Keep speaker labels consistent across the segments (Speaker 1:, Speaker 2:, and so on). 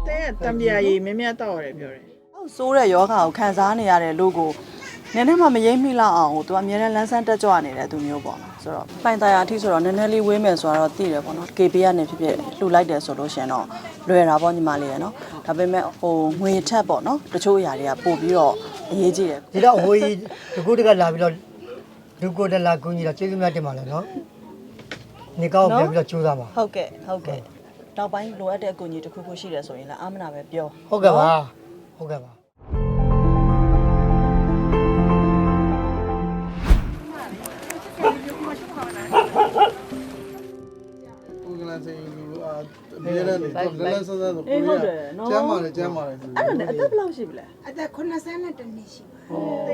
Speaker 1: တဲ့တံပြာရည်မြမြတောက်ရတယ်ပြောတယ်
Speaker 2: ဆိုးတဲ့ယောဂါကိုခံစားနေရတဲ့လူကိုနည်းနည်းမှမရိပ်မိလောက်အောင်သူအမြဲတမ်းလန်းဆန်းတက်ကြွနေတဲ့သူမျိုးပေါ့နော်ဆိုတော့ပိုင်တရားအထိဆိုတော့နည်းနည်းလေးဝေးမယ်ဆိုတော့သိတယ်ပေါ့နော် KB ကနေဖြစ်ဖြစ်လှူလိုက်တယ်ဆိုလို့ရှင်တော့လွယ်တာပေါ့ညီမလေးရယ်နော်ဒါပေမဲ့ငွေထက်ပေါ့နော်တချို့အရာတွေကပို့ပြီးတော့အရေးကြီးတယ်
Speaker 3: ဒီတော့ဟိုကြီးဒီကုတကလာပြီးတော့လူကိုတလာကူညီတော့ကျေးဇူးများတင်ပါလေနော်နေကောင်းပြန်ပြီးတော့ကြိုးစားပါ
Speaker 2: ဟုတ်ကဲ့နောက်ပိုင်းလိုအပ်တဲ့အကူအညီတစ်ခုခုရှိတယ်ဆိုရင်လည်းအာမနာပဲပြော
Speaker 3: ဟုတ်ကဲ့ပါဟုတ်ကဲ့ပါ
Speaker 4: ကိုကလန်စင်လူအမြဲတမ်းလန်းဆန်းဆန်းဆိုကိုရကျမ်းပါလေကျမ်းပါလေ
Speaker 2: အဲ့ဒါနဲ့အသက်ဘယ်လောက်ရှိပြီလဲ
Speaker 5: အသက်82နှစ်ရှိပါ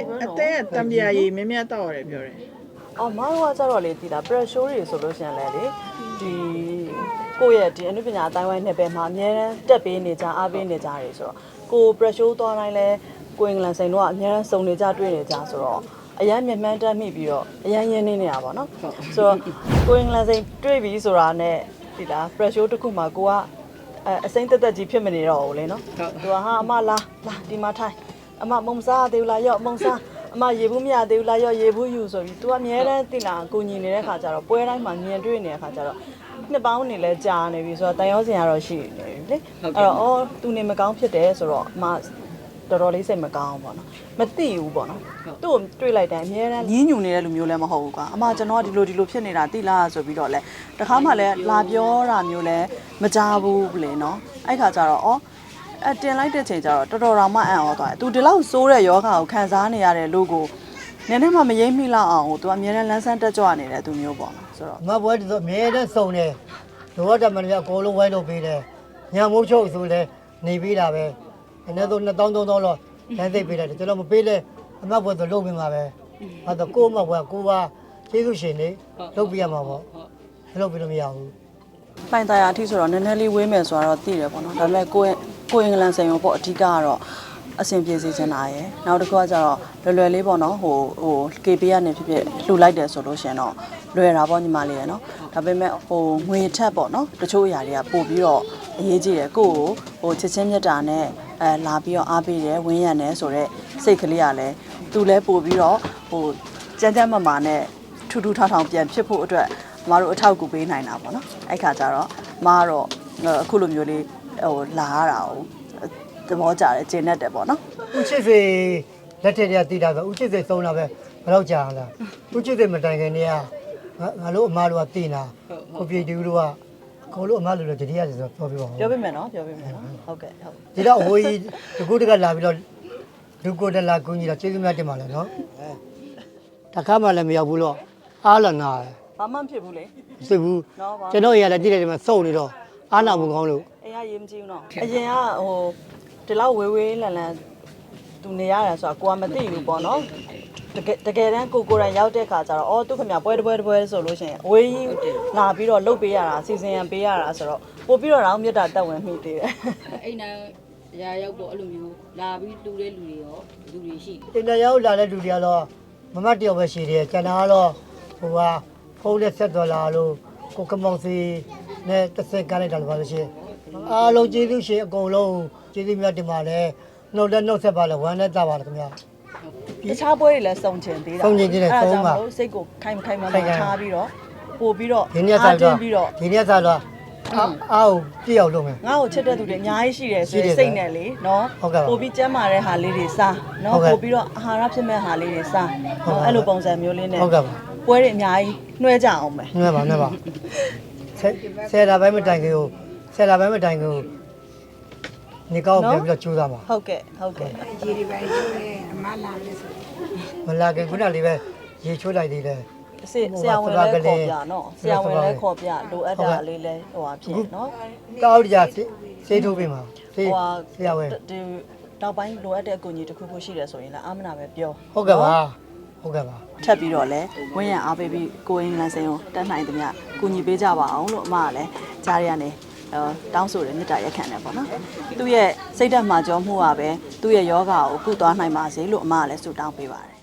Speaker 1: အတဲ့တံပြာရည်မြမြတောက်ရတယ်ပြောတယ်
Speaker 2: အော်မတော်ကကြတော့လေဒီလား pressure တွေဆိုလို့ရှိရင်လည်းလေဒီကိုယ့်ရဲ့ဒီအနုပညာအတိုင်းဝိုင်းနှစ်ပဲမှာအများအားတက်ပေးနေကြအားပေးနေကြတယ်ဆိုတော့ကို pressure သွားတိုင်းလဲကိုအင်္ဂလန်ဆိုင်တော့အများအားစုံနေကြတွေ့နေကြဆိုတော့အရန်မြမှန်းတက်မိပြီးတော့အရန်ရင်းနေနေတာပေါ့နော်ဆိုတော့ကိုအင်္ဂလန်ဆိုင်တွေ့ပြီဆိုတာနဲ့ဒီလား pressure တစ်ခုမှာကိုကအစိမ့်တက်တက်ကြီးဖြစ်မနေတော့ဘူးလေနော်သူကဟာအမလာဒီမှာထိုင်အမမုံစားသေးဘူးလားရော့မုံစားအမရေဘူးမရသေးဘူးလားရော့ရေဘူးယူဆိုပြီး तू အမြဲတမ်းတင်လာကိုညီနေတဲ့ခါကျတော့ပွဲတိုင်းမှာမြင်တွေ့နေတဲ့ခါကျတော့နှစ်ပေါင်းနေလဲကြာနေပြီဆိုတော့တန်ရောစင်ကတော့ရှိနေပြီလေအဲ့တော့အော် तू နေမကောင်းဖြစ်တယ်ဆိုတော့အမတော်တော်လေးစိတ်မကောင်းပေါ့နော်မသိဘူးပေါ့နော်သူ့ကိုတွေ့လိုက်တိုင်းအမြဲတမ်းညင်းညူနေတဲ့လူမျိုးလည်းမဟုတ်ဘူးကွာအမကျွန်တော်ကဒီလိုဖြစ်နေတာသိလားဆိုပြီးတော့လဲတခါမှလည်းလာပြောတာမျိုးလဲမကြားဘူးလေနော်အဲ့ခါကျတော့အော်တင်လိုက်တဲ့ချိန်ကျတော့တော်တော်တောင်မှအံ့ဩသွားတယ်။ तू ဒီလောက်ဆိုးတဲ့ယောဂါကိုခံစားနေရတဲ့လူကိုနည်းနည်းမှမရိပ်မိလောက်အောင်သူအမြဲတမ်းလန်းဆန်းတက်ကြွနေတဲ့သူမျိုးပေါ့နော်ဆိုတော့
Speaker 3: အမဘွဲတော့အမြဲတမ်းစုံတယ်လိုအပ်တဲ့မန်နေဂျာအကုန်လုံးဝိုင်းလုပ်ပေးတယ်ညမိုးချုပ်ဆိုလဲနေပေးတာပဲအနည်းဆုံး2000 3000လောက်လမ်းသိပ်ပေးတယ်ကျွန်တော်မပေးလဲအမဘွဲတော့လုပ်ပေးမှာပဲအဲ့တော့ကို့အမဘွဲကိုပါကျေးဇူးရှင်နေလုပ်ပေးရမှာပေါ့လုပ်ပေးလို့မရဘူး
Speaker 2: ပိုင်တရားအထိဆိုတော့နည်းနည်းလေးဝေးမယ်ဆိုတော့သိတယ်ပေါ့နော်ဒါပေမဲ့ကိုအင်္ဂလန်ဆိုင်ရောပေါ့အဓိကကတော့အဆင်ပြေစေချင်တာရယ်နောက်တစ်ခုကကျတော့လွယ်လေးပေါ့နော်ဟို KB ကနေဖြစ်ဖြစ်လှူလိုက်တယ်ဆိုလို့ရှင်တော့လွယ်တာပေါ့ညီမလေးရယ်နော်ဒါပေမဲ့ငွေထက်ပေါ့နော်တချို့အရာတွေကပို့ပြီးတော့အရေးကြီးတယ်ကိုချစ်ချင်းမြတ်တာနဲ့လာပြီးတော့အားပေးတယ်ဝင်းရံတယ်ဆိုတော့စိတ်ကလေးကလည်းသူလဲပို့ပြီးတော့ကြမ်းကြမ်းမမာနဲ့ထူးထူးထောင်ထောင်ပြန်ဖြစ်ဖို့အတွက်မတို့အထောက်အကူပေးနိုင်တာပေါ့နော်အဲ့ခါကျတော့မကတော့အခုလိုမျိုးလေးလာရတာကိုသဘောကျတယ်ကျင်တတ်တယ်ပေါ့နော်
Speaker 3: ဦးချစ်စေလက်ထက်တည်းတည်တာဆိုဦးချစ်စေသုံးတာပဲဘယ်တော့ကြာလားဦးချစ်စေမတိုင်ခင်တည်းကငါတို့အမတို့ကတည်နာကိုပြေတူတို့ကကိုလို့အမတို့လည်းတတိယဆိုတော့ပြောပြပါဦး
Speaker 2: ပြောပြမယ်နော်ဟုတ်ကဲ့ဟုတ်
Speaker 3: ဒီတော့ဟိုကြီးဒီကုတကလာပြီးတော့လူကိုတလာကူညီတော့ကျေးဇူးများတင်ပါလေနော်တခါမှလည်းမရောက်ဘူးလို့အားလနာတယ်
Speaker 2: ဘာမှမဖြစ်ဘူးလေ
Speaker 3: စိတ်ဘူး
Speaker 2: နော်ဘာ
Speaker 3: ကျွန်တော်ရလည်းကြည့်တယ်ဒီမှာစုံနေတော့အားနာမှုကောင်းလို့
Speaker 2: အိမ်ကရေးမကြည့်ဘူးနော်အရင်ကဒီလောက်ဝေးလန်သူနေရတယ်ဆိုတာကိုကမသိဘူးပေါ့နော်တကယ်တမ်းကိုယ်တိုင်ရောက်တဲ့ခါကျတော့အော်သူခင်ဗျပွဲဆိုလို့ရှိရင်အဝေးကြီးလာပြီးတော့လှုပ်ပေးရတာစီစဉ်ရန်ပေးရတာဆိုတော့ပို့ပြီးတော့တော့မြတ်တာတက်ဝင်မိသေးတယ်
Speaker 6: အိမ်နာရာရောက်ပေါ့အဲ့လိုမျိုးလာပြီးတူတဲ့လူတွေရောလူတွေရှိ
Speaker 3: တင်တရောက်လာတဲ့လူတွေကတော့မမတ်တယောက်ပဲရှိတယ်ကျန်တာကတော့ဟိုကဖုန်းနဲ့ဆက်တော်လာလို့ကိုကမောင်စီနဲ့တစ်စက်ကားလိုက်တာလို့ပါလို့ရှိရင်အားလုံးကျေးဇူးရှင်အကုန်လုံးကျေးဇူးများတင်ပါတယ်နှုတ်လက်နှုတ်ဆက်ပါလေဝမ်းနဲ့တာပါလေခင်ဗျာ
Speaker 2: တခြားပွဲတွေလည်းစုံချင်သေးတာ
Speaker 3: စုံချင်သေးတယ်စုံပါ
Speaker 2: စိတ်ကိုခိုင်မထားပြီးတော့ပို့ပြီးတော့
Speaker 3: ဒီနေ့စားတော့
Speaker 2: ပြီးတော့
Speaker 3: ဒီနေ့စားတော့အားပြည့်အောင်လုပ်မယ်
Speaker 2: ငါ့ကိုချစ်တဲ့သူတွေအများကြီးရှိတယ်ဆိုရင်စိတ်နဲ့လေနော်
Speaker 3: ဟုတ်ကဲ့ပါ
Speaker 2: ပို့ပြီးကျမ်းမာတဲ့ဟာလေးတွေစားနော်
Speaker 3: ဟုတ်ကဲ့
Speaker 2: ပို့ပြီးတော့အာဟာရဖြစ်မဲ့ဟာလေးတွေစား
Speaker 3: ဟုတ်
Speaker 2: နော်
Speaker 3: ကဲ့
Speaker 2: အဲ့လိုပုံစံမျိုးလေးနဲ့
Speaker 3: ဟုတ်ကဲ့ပါ
Speaker 2: ပွဲတွေအများကြီးနှွှဲကြအောင်မယ်
Speaker 3: နည်းပါဆယ်လာပိုင်းမတိုင်ခင်ကိုဆယ်လာပိုင်းမတိုင်ခင်ကိုနေကောင်းပြန်ပြီးတော့ကြိုးစားပါ
Speaker 2: ဟုတ်ကဲ့
Speaker 5: ရေတွေပဲကျိုးတယ်အမလာလဲဆို
Speaker 3: မလာခင်ခုနလေးပဲရေချိုးလိုက်သေးတယ်
Speaker 2: ဆရာဝန်လည်းခေါ်ပြနော်ဆရာဝန်လည်းခေါ်ပြလိုအပ်တာလေးလည်းဟိုဟာဖြစ်နော်
Speaker 3: တောက်ကြစေးထိုးပေးမှာစေး
Speaker 2: ဟိုဟာ
Speaker 3: ဆရာဝန်
Speaker 2: ဒီနောက်ပိုင်းလိုအပ်တဲ့အကူအညီတစ်ခုခုရှိတယ်ဆိုရင်လည်းအာမနာပဲပြော
Speaker 3: ဟုတ်ကဲ့ပါဟုတ်ကဲ့ပါ
Speaker 2: ထပ်ပြီးတော့လဲဝင်းရံအားပေးပြီးကိုအင်္ဂလန်စိန်ကိုတက်နိုင်သမျှကူညီပေးကြပါအောင်လို့အမကလည်းကြားရကနေတောင်းဆိုတယ်မေတ္တာရက်ခံတယ်ပေါ့နော်သူ့ရဲ့စိတ်ဓာတ်မှာကြောမှုကပဲသူ့ရဲ့ယောဂါကိုကုသွားနိုင်ပါစေလို့အမကလည်းဆုတောင်းပေးပါတယ်